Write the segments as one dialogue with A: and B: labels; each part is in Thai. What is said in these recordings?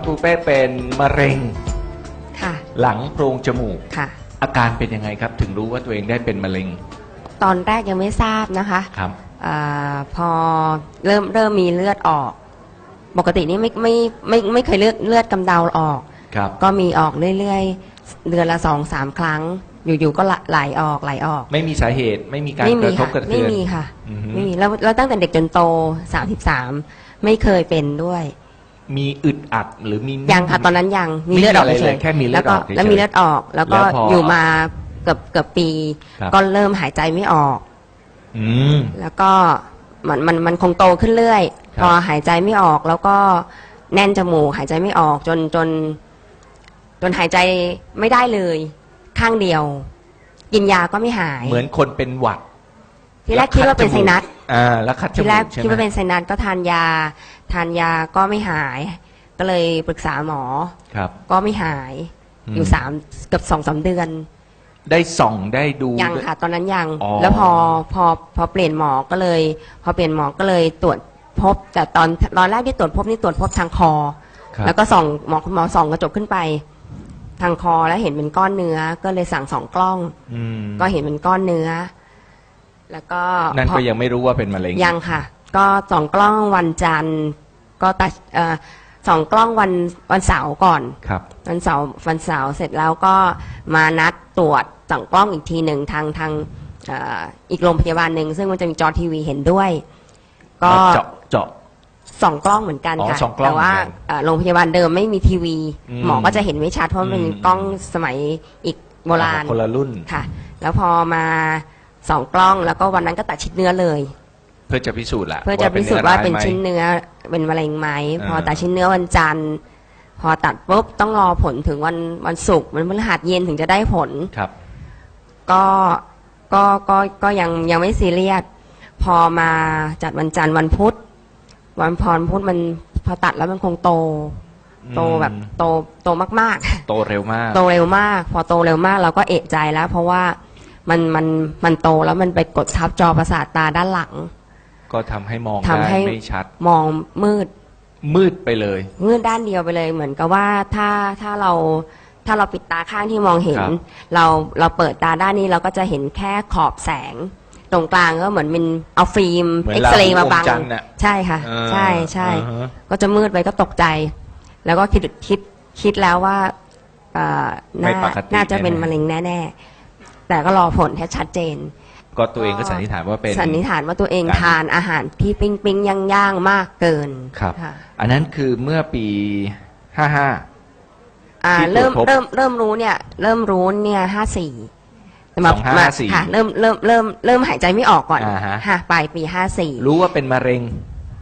A: ปูเป้เป็นมะเร็ง
B: ค่ะ
A: หลังโพรงจมูก
B: ค่ะ
A: อาการเป็นยังไงครับ ถึงรู้ว่าตัวเองได้เป็นมะเร็ง
B: ตอนแรกยังไม่ทราบนะคะ
A: ครับ
B: พอเริ่มมีเลือดออก ปกตินี่ไม่เคยเลือดกำเดาออก
A: ครับ
B: ก็มีออกเรื่อยๆ เดือนละ2-3 ครั้ง อยู่ๆก็ไหลออก
A: ไม่มีสาเหตุไม่มีการ
B: ไม่
A: ก
B: มี
A: ระทบ
B: ค่ะ
A: กระ
B: ไม่
A: เทือน
B: มีค่ะ
A: อือฮึ
B: ไม่มีแล้วตั้งแต่เด็กจนโต33ไม่เคยเป็นด้วย
A: มีอึดอัดหรือมี
B: ยังค่ะตอนนั้นยังมีเลือดออก
A: ไม่มีอะไร
B: เฉ
A: เลย ยแค่มีเลือดออกเฉยๆ
B: แล้วมีเลือดออก แล้วก็
A: แล้วพอ
B: อ
A: อยู่
B: มาเกือบปี
A: ครับ
B: ก็เริ่มหายใจไม่ออก
A: อืม
B: แล้วก็มันคงโตขึ้นเรื่อย
A: ครับ
B: พอหายใจไม่ออก แล้วก็แน่นจมูกหายใจไม่ออกจนหายใจไม่ได้เลย ข้างเดียว กินยาก็ไม่หาย
A: เหมือนคนเป็นหวัด
B: ทีแรกคิดว่าเป็นไซนัส
A: แล้วคัดจ
B: ที
A: มู
B: แรก
A: กใช่ไหม
B: คิดว่าเป็นไซนัสก็ทานยาก็ไม่หาย ก็เลยปรึกษาหมอ
A: ครับ
B: ก็ไม่หาย
A: อืม
B: อยู่เกือบ2-3 เดือน
A: ได้ส่องได้ดู
B: ยังค่ะ ตอนนั้นยัง
A: อ๋อ
B: แล้วพอเปลี่ยนหมอก็เลยตรวจพบ แต่ตอนแรกที่ตรวจพบนี่ตรวจพบทางคอ
A: ครับ
B: แล้วก็คุณหมอส่องกระจกขึ้นไป ทางคอแล้วเห็นเป็นก้อนเนื้อ ก็เลยสั่ง2 กล้อง
A: อืม
B: ก็เห็นเป็นก้อนเนื้อ แล้วก็
A: นั่น
B: พอ
A: ก็ยังไม่รู้ว่าเป็นมะเร็ง
B: ยังค่ะ ก็2 กล้องวันจันทร์ก็ตัด2 กล้องวันเสาร์ก่อน
A: ครับ
B: วันเสาร์เสร็จแล้วก็มานัดตรวจ2 กล้องอีกทีหนึ่งทางอีกโรงพยาบาลหนึ่งซึ่งมันจะมีจอทีวีเห็นด้วย ก็
A: เจาะ
B: 2 กล้องเหมือนกัน
A: อ๋อ
B: ค่ะ
A: สองกล้อง
B: แต่ว่า
A: เหมือนกัน
B: โรงพยาบาลเดิมไม่มีทีวี
A: อืม
B: หมอก็จะเห็นไม่ชัดเพราะมันเป็น
A: อืม
B: กล้องสมัยอีกโบราณ
A: คนละรุ่น
B: ค่ะ แล้วพอมา2 กล้องแล้วก็วันนั้นก็ตัดชิ้นเนื้อเลย
A: เพื่อจะพิสูจน์แหละ
B: เพื่อจะพิสูจน์ว่าเป็น
A: ร้ยไหม
B: ชิ้นเนื้อเป็นมะเร็งไหม
A: อ่า
B: พอตัดชิ้นเนื้อวันจันทร์ พอตัดปุ๊บต้องรอผลถึงวันศุกร์วันพฤหัสเย็นถึงจะได้ผล
A: ครับ
B: ก็ยังไม่ซีเรียสพอมาจัดวันจันทร์วันพุธมันพอตัดแล้วมันคงโตแบบโตมาก
A: โตเร็วมาก
B: ๆ โตเร็วมาก พอโตเร็วมากเราก็เอะใจแล้ว เพราะว่ามันโตแล้วมันไปกดทับจอประสาทตาด้านหลัง
A: ก็ทำให้มอง
B: ทำ
A: ได้
B: ให้
A: ไม่ชัด
B: มอง
A: มืดไปเลย
B: มืดด้านเดียวไปเลยเหมือนกับว่าถ้าเราปิดตาข้างที่มองเห็น
A: ครับ
B: เราเปิดตาด้านนี้เราก็จะเห็นแค่ขอบแสง ตรงกลางก็เหมือนเป็นเอาฟิล์ม
A: เหมือน
B: เอ็กซเรย์มาบัง
A: ราหูอมจันทร์น่ะ
B: ใช่ค่ะ
A: เออ
B: ใช่
A: อ่าฮะ
B: ก็จะมืดไปก็ตกใจ แล้วก็คิดแล้วว่า
A: ไม่ปกติ
B: น่าจะเป็น
A: แน่ๆ
B: มะเร็งแน่ๆแต่ก็รอผลให้ชัดเจน
A: ก็ตัวเองก็สันนิษฐานว่าเป็น
B: สันนิษฐานว่าตัวเอง
A: การ
B: ทานอาหารที่ปิ้งย่างมากเกิน
A: ครับ
B: ค่ะ
A: อันนั้นคือเมื่อปี55 ที่ตรวจ
B: เริ่ม
A: พบ
B: รู้เนี่ย54แต่มา
A: 2554
B: ค่ะเริ่มหายใจไม่ออกก่อน
A: อ่าฮะ
B: ค่ะปลายปี
A: รู้ว่าเป็นมะเร็ง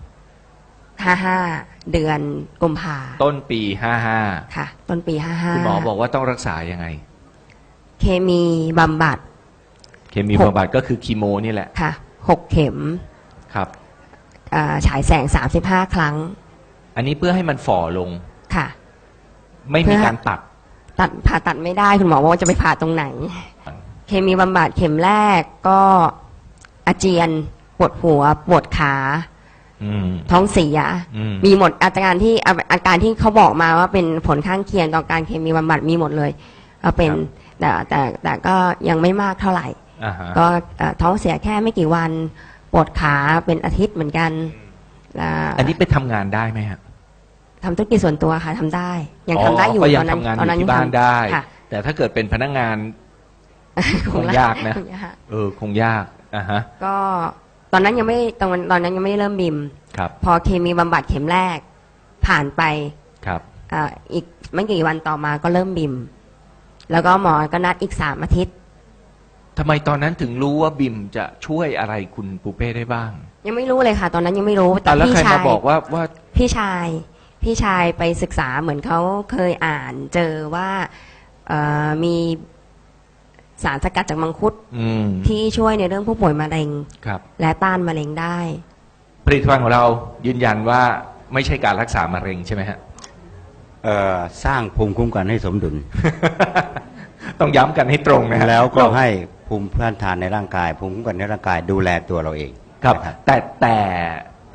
B: 55เดือนกุมภา
A: ต้นปี
B: ค่ะ ต้นปี
A: 55คุณหมอบอกว่าต้องรักษายังไง
B: เคมีบำบัด
A: เคมีบำบัดก็คือคีโมนี่แหละ
B: ค่ะ6 เข็ม
A: ครับ
B: ฉายแสง35 ครั้ง
A: อันนี้เพื่อให้มันฝ่อลง
B: ค่ะ
A: ไม่มีการตัด
B: ผ่าตัดไม่ได้คุณหมอบอกว่าจะไปผ่าตรงไหน เคมีบำบัดเข็มแรกก็อาเจียนปวดหัวปวดขา
A: อืม
B: ท้องเสีย
A: อืม
B: มีหมดอาการที่เขาบอกมาว่าเป็นผลข้างเคียงต่อการเคมีบำบัดมีหมดเลยก็เป็นแต่ก็ยังไม่มากเท่าไหร่
A: อ่าฮะ
B: ก็ท้องเสียแค่ไม่กี่วันปวดขาเป็นอาทิตย์เหมือนกันอ่า
A: อันนี้ไปทำงานได้ไหมฮะ
B: ทำธุรกิจส่วนตัวค่ะทำได้ ยังทำได้อยู่
A: ก็ยัง
B: ตอนนั้น
A: ทำงานอ
B: ตอน
A: ยู่
B: นั้น
A: ที่บ้านได้
B: ค่ะ
A: แต่ถ้าเกิดเป็นพนักงาน คงยากนะ
B: คงยาก
A: คงยากอ่าฮะ
B: ก็ตอนนั้นยังไม่ตอนนั้นยังไม่ได้เริ่มบิม
A: ครับ
B: พอเคมีบำบัดเข็มแรก ผ่านไป
A: ครับ
B: อีกไม่กี่วันต่อมาก็เริ่มบิม แล้วก็หมอก็นัดอีก3 อาทิตย์
A: ทำไมตอนนั้นถึงรู้ว่าบิมจะช่วยอะไรคุณปูเป้ได้บ้าง
B: ยังไม่รู้เลยค่ะ ตอนนั้นยังไม่รู้แต่
A: แล้ว
B: พี่
A: ใคร
B: ชาม
A: าย บอกว่า
B: พี่ชายไปศึกษาเหมือนเขาเคยอ่านเจอว่ามีสารสกัดจากมังคุด
A: อืม
B: ที่ช่วยในเรื่องผู้ป่วยมะเร็ง
A: ครับ
B: และต้านมะเร็งได้
A: ผลิตภัณฑ์ของเรายืนยันว่าไม่ใช่การรักษามะเร็งใช่ไหมฮะ
C: สร้างภูมิคุ้มกันให้สมดุล
A: ต้องย้ำกันให้ตรงนะฮะ
C: แล้วก็ให้ภูมิต้านทานในร่างกาย ภูมิคุ้มกันในร่างกายดูแลตัวเราเอง
A: ครับ
C: นะ
A: แต่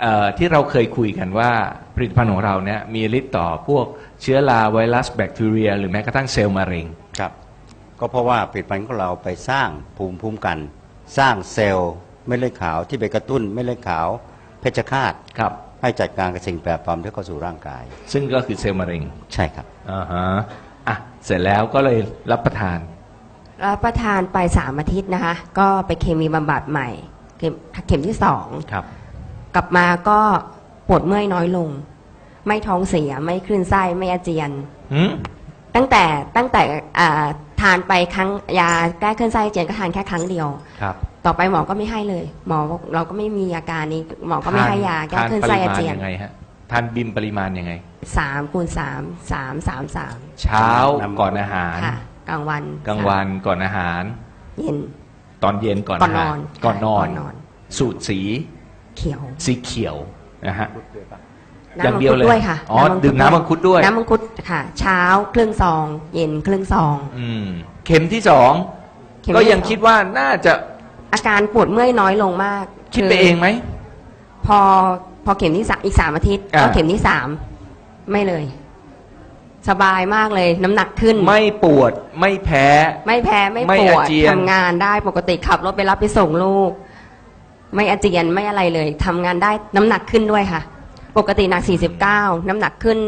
A: ที่เราเคยคุยกันว่าผลิตภัณฑ์ของเราเนี่ยมีฤทธิ์ต่อพวกเชื้อราไวรัสแบคทีเรียหรือแม้กระทั่งเซลล์มะเร็ง
C: ครับ ก็เพราะว่าผลิตภัณฑ์ของเราไปสร้างภูมิคุ้มกัน สร้างเซลล์เม็ดเลือดขาวที่ไปกระตุ้นเม็ดเลือดขาวเพชฌฆาต
A: ครับ
C: ให้จัดการกับสิ่งแปลกปลอมที่เข้าสู่ร่างกาย
A: ซึ่งก็คือเซลล์มะเร็ง
C: ใช่ครับ
A: อ่าฮะอ่ะเสร็จแล้วก็เลยรับประทาน
B: รับประทานไป3 อาทิตย์นะคะ ก็ไปเคมีบำบัดใหม่ เข็มที่ 2
A: ครับ
B: กลับมาก็ปวดเมื่อยน้อยลง ไม่ท้องเสียไม่คลื่นไส้ไม่อาเจียน
A: หืม
B: ตั้งแต่ทานไปครั้งยาแก้คลื่นไส้อาเจียนก็ทานแค่ครั้งเดียว
A: ครับ
B: ต่อไปหมอก็ไม่ให้เลย หมอบอกเราก็ไม่มีอาการนี้ หมอก็ไม่ให้ยาแก้คลื่นไส้อาเจียน
A: ทานปริมาณยังไงฮะทานบิมปริมาณยังไง
B: 3 คูณ 3 3
A: เช้าก่อนอาหาร
B: ค่ะกลางวัน
A: กลางวันก่อนอาหาร
B: เย็น
A: ตอนเย็นก่อน
B: ก่อน
A: อาหาร
B: นอน
A: ก่อนนอน
B: ก่อนนอน
A: สูตรสี
B: เขียว
A: สีเขียวนะฮะ
B: น้ำ
A: อย่างเดียวเลย
B: มังคุด้วยค่ะ
A: อ๋อดื่มน้ำมังคุดด้วย
B: น้ำมังคุดค่ะ เช้าครึ่งซอง เย็นครึ่งซอง
A: เข็มที่สอง
B: เข็ม
A: ก็
B: ที่
A: ยัง
B: 2
A: คิดว่าน่าจะ
B: อาการปวดเมื่อยน้อยลงมาก
A: คิดไปเองไหม
B: พอเข็มที่อีก3 อาทิตย์
A: อ่า
B: ก็เข็มที่ 3 ไม่เลย สบายมากเลย น้ำหนักขึ้น
A: ไม่ปวดไม่แพ้
B: ไม่แพ้ไม่
A: ไม่
B: ปว
A: อา
B: ด
A: เจียน
B: ทำงานได้ปกติขับรถไปรับไปส่งลูก ไม่อาเจียนไม่อะไรเลยทำงานได้น้ำหนักขึ้นด้วยค่ะ ปกติหนัก49น้ำหนักขึ้น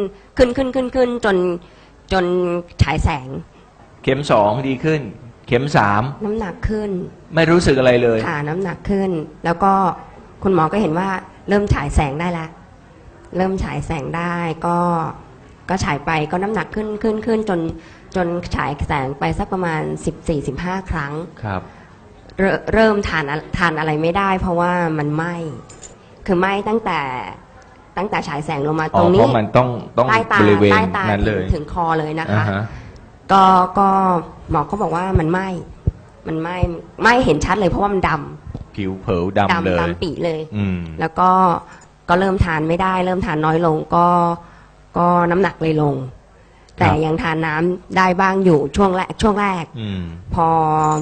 B: จนฉายแสง
A: เข็มสองดีขึ้น เข็มสาม
B: น้ำหนักขึ้น
A: ไม่รู้สึกอะไรเลย
B: ค่ะน้ำหนักขึ้น แล้วก็คุณหมอก็เห็นว่าเริ่มฉายแสงได้แล้ว เริ่มฉายแสงได้ก็ฉายไปก็น้ำหนักขึ้นจนฉายแสงไปสักประมาณ14-15 ครั้ง
A: ครับ
B: เริ่มทานอะไรไม่ได้ เพราะว่ามันไหม้คือไหม้ตั้งแต่ฉายแสงลงมาตรง
A: เพ
B: นี้
A: ราะมันต้อง
B: ใต้ตา
A: บริเวณ
B: ใต้ตา
A: นั้นเลย
B: ถึงคอเลยนะ
A: อ่า
B: คะ
A: ฮะ
B: ก็หมอก็บอกว่ามันไหม้เห็นชัดเลยเพราะว่ามันด
A: ผิวเผลดำเลย
B: ดำปีเลย
A: อืม
B: แล้วก็เริ่มทานไม่ได้ เริ่มทานน้อยลงก็น้ำหนักเลยลง แต่ยังทานน้ำได้บ้างอยู่ช่วงแรก
A: อืม
B: พอ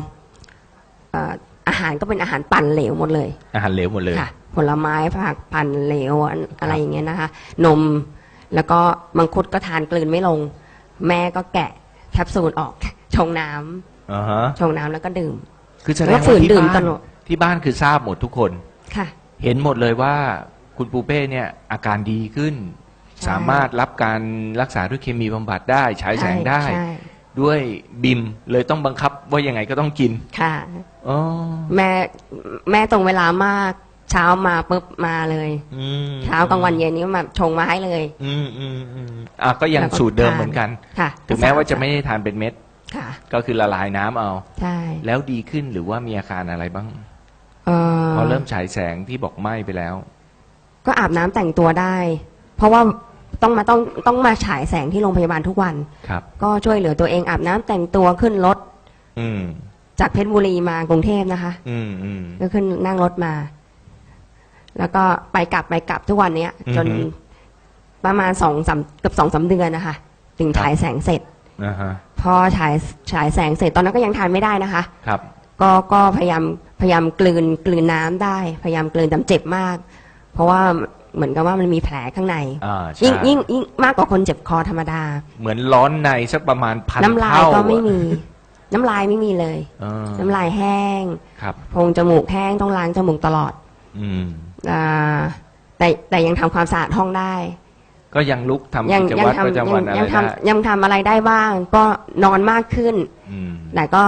B: อาหารก็เป็นอาหารปั่นเหลวหมดเลย
A: อาหารเหลวหมดเลย
B: ค่ะ ผลไม้ผักปั่นเหลวอะไรอย่างเงี้ยนะคะ นมแล้วก็มังคุดก็ทานกลืนไม่ลง แม่ก็แกะแคปซูลออก ชงน้ำ
A: อ่าฮะ
B: ชงน้ำแล้วก็ดื่ม
A: คือแสดง
B: แล้ว
A: ว่า
B: ฝืน
A: ที่
B: ดื่ม
A: บ้า
B: ต
A: น
B: ลอด
A: ที่บ้านคือทราบหมดทุกคน
B: ค่ะ
A: เห็นหมดเลยว่าคุณปูเป้เนี่ยอาการดีขึ้น
B: ใช่
A: สามารถรับการรักษาด้วยเคมีบำบัดได้ฉายแสงได้
B: ใช่
A: ด้วยบิมเลยต้องบังคับว่ายังไงก็ต้องกิน
B: ค่ะ
A: อ๋อ
B: แม่ตรงเวลามาก เช้ามาปุ๊บมาเลย
A: อืม
B: เช้ากลางวันเย็นนี้มาชงมาให้เลย
A: ก็ยัง
B: แล้วก็
A: สูตรเดิม
B: ทาน
A: เหมือนกัน
B: ค่ะ
A: ถึงแม้ว่าจะไม่ได้ทานเป็นเม็ด
B: ค่ะ
A: ก็คือละลายน้ำเอา
B: ใช่
A: แล้วดีขึ้นหรือว่ามีอาการอะไรบ้าง พอเริ่มฉายแสงที่บอกไหม้ไปแล้ว
B: ก็อาบน้ำแต่งตัวได้ เพราะว่าต้องมาฉายแสงที่โรงพยาบาลทุกวัน
A: ครับ
B: ก็ช่วยเหลือตัวเองอาบน้ำแต่งตัวขึ้นรถ
A: อืม
B: จากเพชรบุรีมากรุงเทพนะคะ
A: อืม
B: ก็ขึ้นนั่งรถมา แล้วก็ไปกลับทุกวันเนี้ย จน
A: อือฮึ
B: ประมาณเกือบ2-3 เดือนนะคะถึงฉายแสงเสร็จ
A: นะฮะ
B: พอฉายแสงเสร็จตอนนั้นก็ยังทานไม่ได้นะคะ
A: ครับ
B: ก็พยายามกลืนน้ำได้ พยายามกลืนแต่เจ็บมาก เพราะว่าเหมือนกับว่ามันมีแผลข้างใน
A: ใช่
B: ยิ่งมากกว่าคนเจ็บคอธรรมดา
A: เหมือนร้อนในสักประมาณ1,000
B: น้ำลาย
A: เท่า
B: ก็ไม่
A: อะ
B: มี น้ำลายไม่มีเลย
A: เออ
B: น้ำลายแห้ง
A: ครับ
B: โพรงจมูกแห้งต้องล้างจมูกตลอด
A: อืม
B: แต่ยังทำความสะอาดห้องได้
A: ก็ยังลุกทำ
B: ยั
A: กิจวัตรประจำวันอะไรได้
B: ยังทำอะไรได้บ้าง ก็นอนมากขึ้น
A: อืม
B: แต่ก็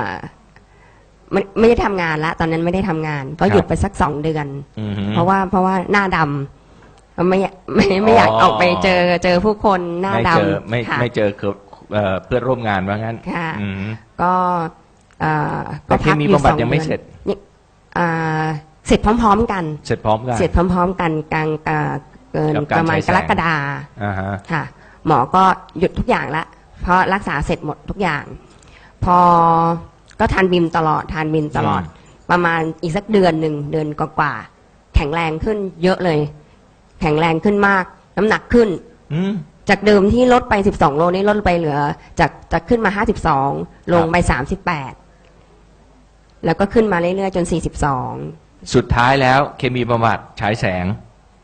B: ไม่ได้ทำงานละตอนนั้นไม่ได้ทำงาน ก็หยุด
A: ครับ
B: ไปสัก2 เดือน
A: อืม
B: เพราะว่าหน้าดำไม่อยากออกไปเจอผู้คนหน้า
A: ไม่
B: ด
A: เจอ
B: ำ
A: ไม่
B: ค่ะ
A: ไม่เจอเพื่อนร่วมงานว่างั้น
B: ค่ะ
A: อืม
B: ก็เอ่อ
A: แต่เคมีบำบัดยังไม่
B: 2
A: เสร็จ
B: นี่เสร็จพร้อมๆกัน
A: เสร็จพร้อมกัน
B: เสร็จพร้อมๆกันกลางเกิน
A: กับ
B: ป
A: การ
B: ระมาณ
A: ฉายแส
B: ก
A: ง
B: รกฎา
A: อ่าฮะ
B: ค่ะ หมอก็หยุดทุกอย่างละเพราะรักษาเสร็จหมดทุกอย่าง พอก็ทานบิมตลอดประมาณอีกสักเดือนกว่าๆแข็งแรงขึ้นเยอะเลย แข็งแรงขึ้นมาก น้ำหนักขึ้น
A: อืม
B: จากเดิมที่ลดไป12 โลนี่ลดไปเหลือจากขึ้นมา52ลงไป38แล้วก็ขึ้นมาเรื่อยๆจน42
A: สุดท้ายแล้วเคมีบำบัดฉายแสง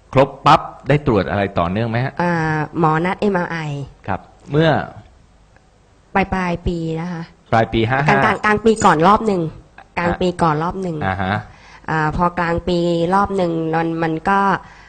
A: ครบปั๊บได้ตรวจอะไรต่อเนื่องไหมฮะ
B: หมอนัด MRI
A: ครับ เมื่อ
B: ปลายปีนะคะ
A: ปลายปี
B: กลางปีก่อนรอบหนึ่งกลางปีก่อนรอบหนึ่ง
A: อ่าฮะ
B: พอกลางปีรอบหนึ่งมันก็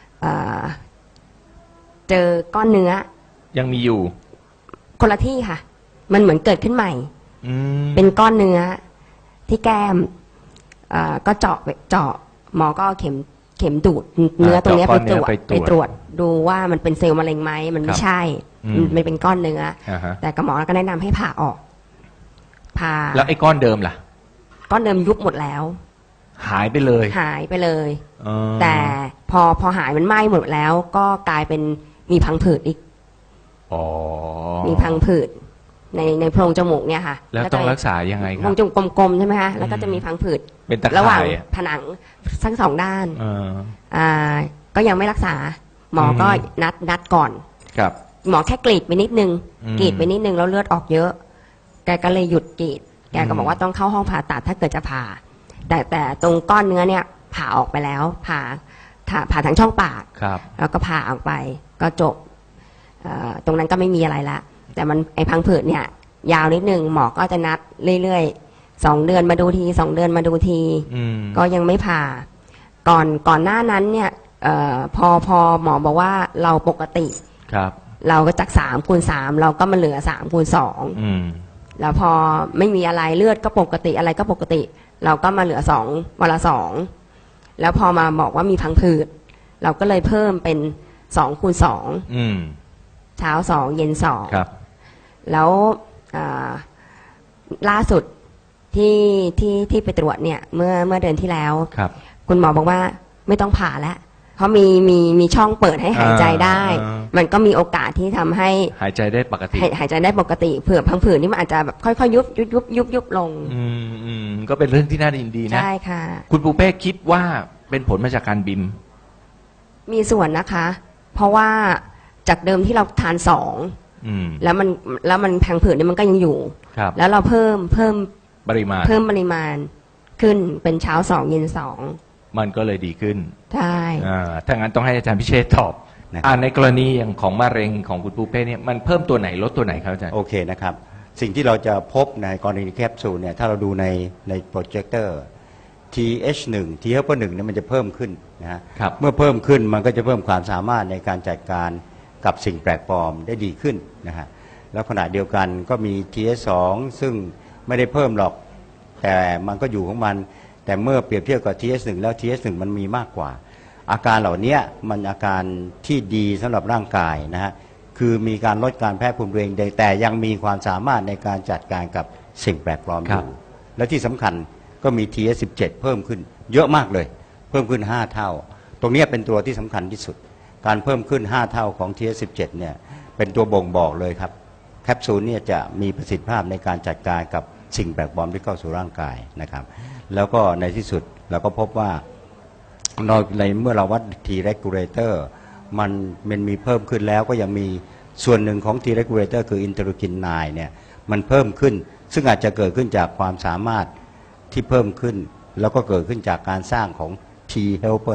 B: เจอก้อนเนื้อ
A: ยังมีอยู่
B: คนละที่ค่ะ มันเหมือนเกิดขึ้นใหม่
A: อืม
B: เป็นก้อนเนื้อที่แก้มก็เจาะหมอก็เอาเข็มดูดเนื้อตรงเนี้ยไปตรวจดูว่ามันเป็นเซลล์มะเร็งไหมมันไม่ใช่มันเป็นก้อนเนื้อ
A: อ่าฮะ
B: แต่กับหมอก็แนะนำให้ผ่าออกผ่า
A: แล้วไอ้ก้อนเดิมล่ะ
B: ก้อนเดิมยุบหมดแล้ว
A: หายไปเลย
B: หายไปเลย
A: อ๋อ
B: แต่พอหายมันไหม้หมดแล้ว ก็กลายเป็นมีพังผืดอีก
A: อ๋อ
B: มีพังผืดในโพรงจมูกเนี่ยค่ะ
A: แล้วต้องรักษายังไงค
B: โพร
A: รับ
B: งจมูกกลมๆใช่ไหมคะแล้วก็จะมีพังผืด
A: เป็นตะ
B: ระหว่าง
A: ข่ายอะ
B: ผนังทั้งสองด้าน
A: เออ
B: ก็ยังไม่รักษา หมอก็นัดก่อน
A: ครับ
B: หมอแค่กรีดไปนิดนึง
A: อืม
B: กรีดไปนิดนึงแล้วเลือดออกเยอะ แกก็เลยหยุดกรีด แกก็บอกว่าต้องเข้าห้องผ่าตัดถ้าเกิดจะผ่า แต่ตรงก้อนเนื้อเนี่ยผ่าออกไปแล้ว ผ่าทางช่องปาก
A: ครับ
B: แล้วก็ผ่าออกไปก็จบตรงนั้นก็ไม่มีอะไรละ แต่มันไอพังผืดเนี่ย ยาวนิดนึงหมอก็จะนัดเรื่อยๆ2 เดือนมาดูที2 เดือนมาดูที
A: อืม
B: ก็ยังไม่ผ่า ก่อนหน้านั้นเนี่ยพอหมอบอกว่าเราปกติ
A: ครับ
B: เราก็จาก3x3เราก็มาเหลือ3x2
A: อืม
B: แล้วพอไม่มีอะไรเลือดก็ปกติอะไรก็ปกติ เราก็มาเหลือ2วันละ2แล้วพอมาบอกว่ามีพังผืดเราก็เลยเพิ่มเป็น2x2
A: อืม
B: เช้า2เย็น2
A: ครับ
B: แล้วล่าสุดที่ไปตรวจเนี่ยเมื่อเดือนที่แล้ว
A: ครับ
B: คุณหมอบอกว่าไม่ต้องผ่าแล้ว เพราะมีช่องเปิดให้หายใจได้ มันก็มีโอกาสที่ทำให้
A: หายใจได้ปกติ
B: หายใจได้ปกติเผื่อพังผืดนี่มันอาจจะแบบค่อยๆยุบลง
A: อืมก็เป็นเรื่องที่น่ายินดีนะ
B: ใช่ค่ะ
A: คุณปูเป้คิดว่าเป็นผลมาจากการบิม
B: มีส่วนนะคะ เพราะว่าจากเดิมที่เราทาน2
A: อืม
B: แล้วมันพังผืดนี่มันก็ยังอยู่
A: ครับ
B: แล้วเราเพิ่ม
A: ปริมาณ
B: ปริมาณขึ้นเป็นเช้า2เย็น2
A: มันก็เลยดีขึ้น
B: ใช่
A: ถ้างั้นต้องให้อาจารย์พิเชษฐ์ตอบ
C: นะครับ
A: ในกรณีอย่างของมะเร็งของคุณปูเป้เนี่ยมันเพิ่มตัวไหนลดตัวไหนครับอาจารย์
C: โอเคนะครับ สิ่งที่เราจะพบในกรณีแคปซูลเนี่ยถ้าเราดูในโปรเจคเตอร์ TH1 T helper 1เนี่ยมันจะเพิ่มขึ้นนะฮะ
A: ครับ
C: เมื่อเพิ่มขึ้นมันก็จะเพิ่มความสามารถในการจัดการกับสิ่งแปลกปลอมได้ดีขึ้นนะฮะแล้วขณะเดียวกันก็มี TH2 ซึ่งไม่ได้เพิ่มหรอก แต่มันก็อยู่ของมัน แต่เมื่อเปรียบเทียบกับ TH1 แล้ว TH1 มันมีมากกว่า อาการเหล่านี้มันอาการที่ดีสำหรับร่างกายนะฮะคือมีการลดการแพ้ภูมิตัวเองแต่ยังมีความสามารถในการจัดการกับสิ่งแปลกปลอมอ
A: ครั
C: ยู่
A: บ
C: และที่สำคัญก็มี TH17 เพิ่มขึ้นเยอะมากเลย เพิ่มขึ้น 5 เท่า ตรงนี้เป็นตัวที่สำคัญที่สุด การเพิ่มขึ้น 5 เท่าของ TH17 เนี่ยเป็นตัวบ่งบอกเลยครับแคปซูลเนี่ยจะมีประสิทธิภาพในการจัดการกับสิ่งแปลกปลอมที่เข้าสู่ร่างกายนะครับแล้วก็ในที่สุดเราก็พบว่าในเมื่อเราวัด T regulator มันมีเพิ่มขึ้นแล้วก็ยังมีส่วนหนึ่งของ T regulator คืออินเตอร์คิน 9 เนี่ยมันเพิ่มขึ้น ซึ่งอาจจะเกิดขึ้นจากความสามารถที่เพิ่มขึ้น แล้วก็เกิดขึ้นจากการสร้างของ T helper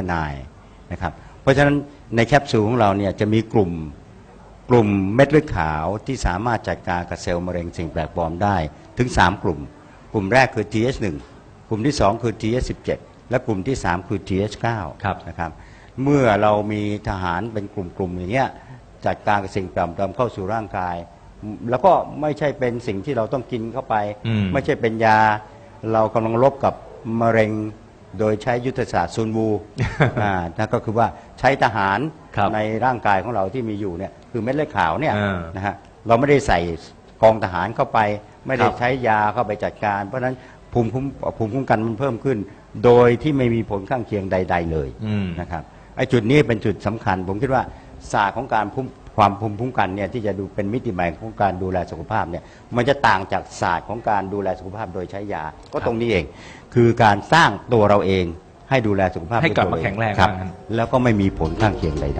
C: 9 นะครับเพราะฉะนั้นในแคปซูลของเราเนี่ยจะมีกลุ่มเม็ดเลือดขาวที่สามารถจัดการกับเซลล์มะเร็งสิ่งแปลกปลอมได้ถึง 3 กลุ่ม กลุ่มแรกคือ TH1 กลุ่มที่ 2 คือ TH17 และกลุ่มที่ 3 คือ TH9
A: ครับ
C: นะครับเมื่อเรามีทหารเป็นกลุ่มๆอย่างเงี้ยจัดการกับสิ่งแปลกปลอมเข้าสู่ร่างกาย แล้วก็ไม่ใช่เป็นสิ่งที่เราต้องกินเข้าไป ไม่ใช่เป็นยาเรากำลังรบกับมะเร็งโดยใช้ยุทธศาสตร์ซุนวู นั่นก็คือว่าใช้ทหาร
A: ครับ
C: ในร่างกายของเราที่มีอยู่เนี่ยคือเม็ดเลือดขาวเนี่ย
A: อ่า
C: นะฮะเราไม่ได้ใส่กองทหารเข้าไป ไม่ได้
A: ครับ
C: ใช้ยาเข้าไปจัดการ เพราะฉะนั้นภูมิคุ้มกันมันเพิ่มขึ้น โดยที่ไม่มีผลข้างเคียงใด ๆ เลย นะครับไอ้จุดนี้เป็นจุดสำคัญ ผมคิดว่าศาสตร์ของการความภูมิคุ้มกันเนี่ยที่จะดูเป็นมิติใหม่ของการดูแลสุขภาพเนี่ยมันจะต่างจากศาสตร์ของการดูแลสุขภาพโดยใช้ยา ก็ตรงนี้เอง คือการสร้างตัวเราเองให้ดูแลสุขภาพ
A: ให้กลับ
C: ด้วยตัว
A: มาแข็งแรง
C: ครับ
A: ว่างั้น
C: แล้วก็ไม่มีผลข้างเคียงใดๆ